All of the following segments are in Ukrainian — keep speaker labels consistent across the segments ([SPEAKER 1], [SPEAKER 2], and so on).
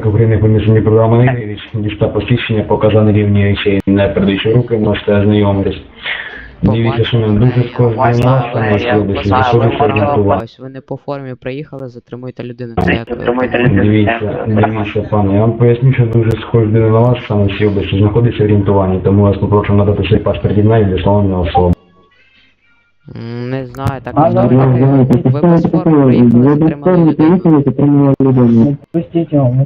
[SPEAKER 1] України поміжні програми Нигріч, дістав посвідчення, показаний рівні речей, не передаючи руки, можете ознайомитись. Дивіться, що нам дуже схоже на нас, на нашій області, заходиться орієнтувати.
[SPEAKER 2] Ось ви не по формі приїхали, затримуйте людину.
[SPEAKER 1] Дивіться, пане, я вам поясню, що дуже схоже на вас, саме в цій області знаходиться орієнтування, тому вас попрошу надати свій паспорт єднання для встановлення особи.
[SPEAKER 2] Не знаю, так ви без форми приїхали, затримали людину.
[SPEAKER 3] Пустіть його.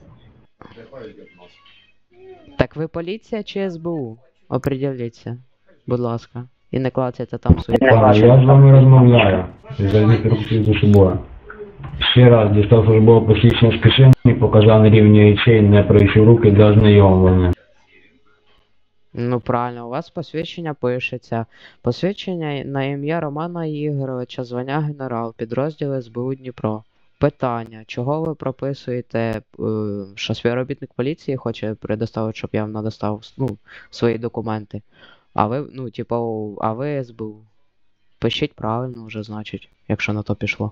[SPEAKER 2] Так ви поліція чи СБУ? Оприділіться, будь ласка. І не клацайте там свої
[SPEAKER 1] Пане, я з вами розмовляю. Зайдіть руки за собою. Ще раз дістав службове посвідчення з кишені, показав на рівні речей, не пройшов руки для ознайомлення.
[SPEAKER 2] Ну правильно, у вас посвідчення пишеться. Посвідчення на ім'я Романа Ігоровича, звання генерал, підрозділ СБУ Дніпро. Питання, чого ви прописуєте, що співробітник поліції хоче предоставити, щоб я вам надостав, свої документи. А ви, а ви СБУ. Пишіть правильно вже, значить, якщо на то пішло.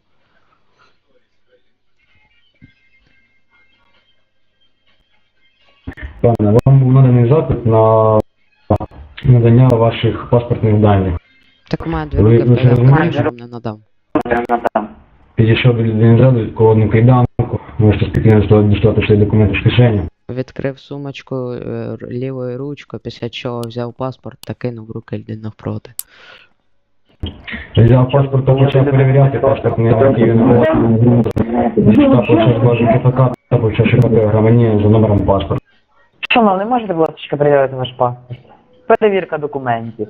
[SPEAKER 1] Пане, вам був наданий запит на надання ваших паспортних даних.
[SPEAKER 2] Так у мене дві руки вперед, що вам не надам.
[SPEAKER 1] Підійшов до людини ззаду, відколодну кайданку, можете спокійно дістати свої документи з кишені.
[SPEAKER 2] Відкрив сумочку лівою ручкою, після чого взяв паспорт та кинув в руки людини навпроти.
[SPEAKER 1] Взяв паспорт та почав перевіряти, паспорт не який він був. Дістав почав бажу КПК та почав шукати громадянина за номером паспорта.
[SPEAKER 3] Шановний, можете, будь ласка, перевірити ваш паспорт? Перевірка документів.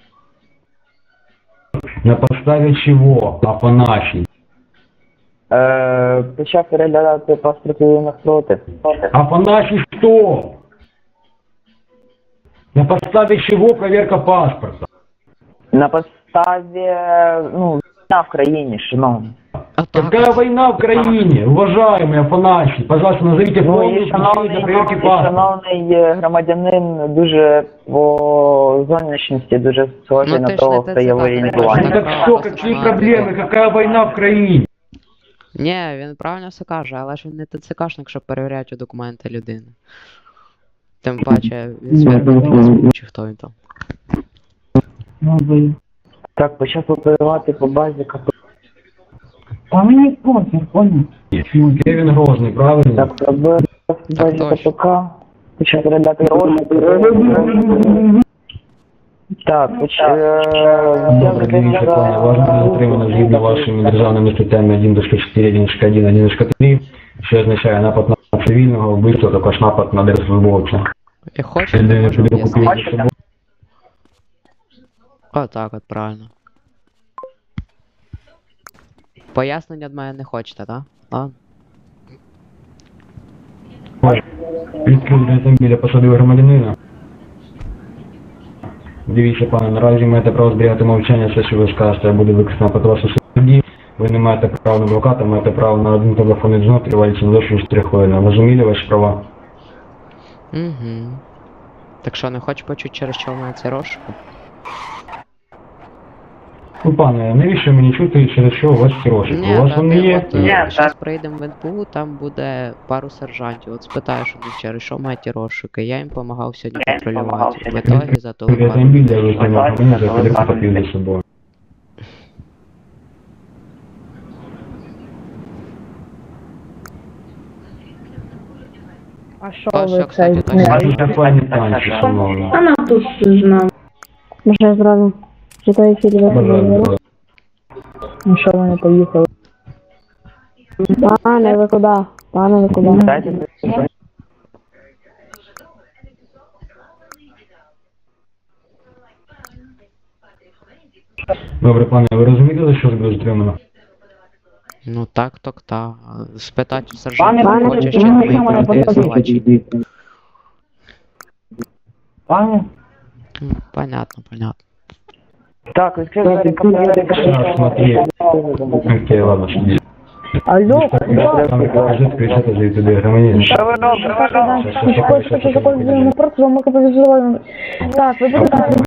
[SPEAKER 1] На подставі чого? А по нашій?
[SPEAKER 3] Почав переглядати паспорт людини навпроти.
[SPEAKER 1] А по нашій що? На подставі чого проверка паспорта?
[SPEAKER 3] На підставі, війна в країні, шановний.
[SPEAKER 1] Какая война в країні? Уважаемые Афанасий, пожалуйста, назовите полную причину для проверки паспорта.
[SPEAKER 3] Шановний громадянин дуже по зовнішності дуже схожий на того, хто є в орієнтуванні.
[SPEAKER 1] Так что, какие проблемы? Какая война в країні?
[SPEAKER 2] Ні, він правильно все каже, але ж він не ТЦКшник, щоб перевіряти документи людини. Тим паче, він співробітник СБУ, чи хто він там.
[SPEAKER 3] Так, почав оперувати по базі КП.
[SPEAKER 4] А мені похер, понял?
[SPEAKER 1] Кевін Грозний, правильно?
[SPEAKER 3] Так, робив по базі
[SPEAKER 2] точно.
[SPEAKER 3] КПК. Почав передати гроші. Так,
[SPEAKER 1] Дивіться, пане, вас буде затримано згідно вашими державними статтями 1.4, 1.1, 1.3, що означає напад на цивільного, вбивство, також напад на держслужбовця.
[SPEAKER 2] І хочете, можу об'яснити. Отак от, правильно. Пояснення від мене не хочете, так? Ладно.
[SPEAKER 1] Відкрив автомобіля посадив громадянина. Дивіться, пане, наразі маєте право зберігати мовчання, все, що ви скажете, буде використано проти вас у суді. Ви не маєте права на адвоката, маєте право на один телефонний дзвінок, тривалість не довше 4 хвилини. Розуміли ваші права?
[SPEAKER 2] Угу. Так що, не хочеш почути, через що в мене цей розшук?
[SPEAKER 1] Ну, пане, навіщо мені чути, через що у вас ці розшуки? У вас вони є?
[SPEAKER 2] Зараз приїдемо в НПУ, там буде пару сержантів. От спитаєш у них, через що мають ті розшуки. Я їм допомагав сьогодні контролювати. В ітогі за того пару.
[SPEAKER 1] Автомобіль, де ви займаєте, мені за телефон попів за собою.
[SPEAKER 4] А що
[SPEAKER 2] Ось,
[SPEAKER 4] ви
[SPEAKER 2] кстати,
[SPEAKER 4] це?
[SPEAKER 2] точно.
[SPEAKER 1] Дуже файні танці, шановні.
[SPEAKER 4] Вона тут знав. Може зразу читаю фільм.
[SPEAKER 1] Бажаю.
[SPEAKER 4] Ну що вони поїхали? Пане, ви куди? Пане, ви куди?
[SPEAKER 1] Добре, пане, ви розумієте, за що ж буде затримано?
[SPEAKER 2] Ну так. Спитати у сержанта,
[SPEAKER 4] Пане,
[SPEAKER 2] хочеш, чи
[SPEAKER 4] пане,
[SPEAKER 2] ми
[SPEAKER 4] пане,
[SPEAKER 2] пройти звивачі.
[SPEAKER 4] Пане?
[SPEAKER 2] Понятно.
[SPEAKER 3] Так, відкрив двері КПК.
[SPEAKER 1] Так, смотри. Окей, ладно, що дійсно.
[SPEAKER 4] Алло,
[SPEAKER 1] Там кажуть, кричати за туди громадянин.
[SPEAKER 3] Що ви робите?
[SPEAKER 4] Так, ви будете